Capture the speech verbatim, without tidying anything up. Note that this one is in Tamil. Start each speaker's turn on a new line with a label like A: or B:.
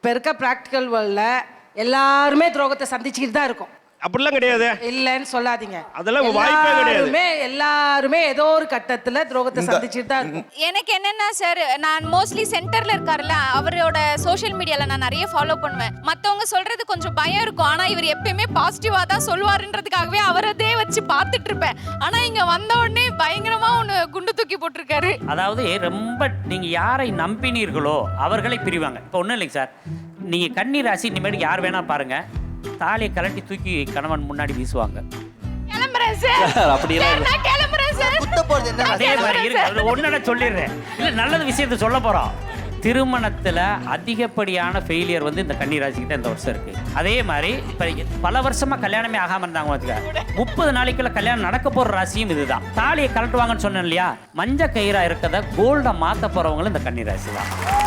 A: இப்போ இருக்க ப்ராக்டிக்கல் வேர்ல்டில் எல்லாருமே துரோகத்தை சந்திச்சுக்கிட்டு தான் இருக்கும்.
B: அப்படிலாம் கிடையாது.
A: இல்லைன்னு சொல்லாதீங்க.
B: அதெல்லாம் வாய்ப்பே கிடையாது.
A: எல்லாருமே எல்லாருமே ஏதோ ஒரு கட்டத்துல துரோகத்தை சந்திச்சுட்டு தான் இருக்கும்.
C: எனக்கு என்னன்னா சார், நான் மோஸ்ட்லி சென்டர்ல இருக்காருல்ல, அவரோட சோஷியல் மீடியால நான் நிறைய ஃபாலோ பண்ணுவேன். மத்தவங்க சொல்றது கொஞ்சம் பயம் இருக்கும். ஆனா இவர் எப்பயுமே பாசிட்டிவா தான் சொல்லுவாருன்றதுக்காகவே அவரதே வச்சு பார்த்துட்டு இருப்பேன். ஆனா இங்க வந்த உடனே பயங்கரமா ஒன்று குண்டு தூக்கி போட்டிருக்காரு.
D: அதாவது ரொம்ப நீங்க யாரை நம்பினீர்களோ அவர்களை பிரிவாங்க. இப்போ ஒன்றும் இல்லைங்க சார், நீங்க கன்னி ராசி இனிமேல் யார் வேணா பாருங்க, தாலியை கலட்டி தூக்கி கணவன் முன்னாடி வீசுவாங்க.
C: கிளம்புறேன் சார்.
E: அப்படியெல்லாம்
C: நான் கிளம்புறேன் சார்.
E: குத்த போறது என்ன?
D: அதே மாதிரி இருக்கு. ஒன்னு சொல்லிடுறேன், இல்ல நல்லது விஷயத்தை சொல்ல போறோம். திருமணத்துல அதிகப்படியான ஃபெயிலியர் வந்து இந்த கன்னி ராசிக்கு தான் இந்த வருஷம் இருக்கு. அதே மாதிரி இப்ப பல வருஷமா கல்யாணமே ஆகாம இருந்தாங்க வச்சுக்க, முப்பது நாளைக்குள்ள கல்யாணம் நடக்க போற ராசியும் இதுதான். தாலியை கலட்டுவாங்கன்னு சொன்னேன் இல்லையா, மஞ்ச கயிறா இருக்கத கோல்டா மாத்த போறவங்களும் இந்த கன்னி ராசி தான்.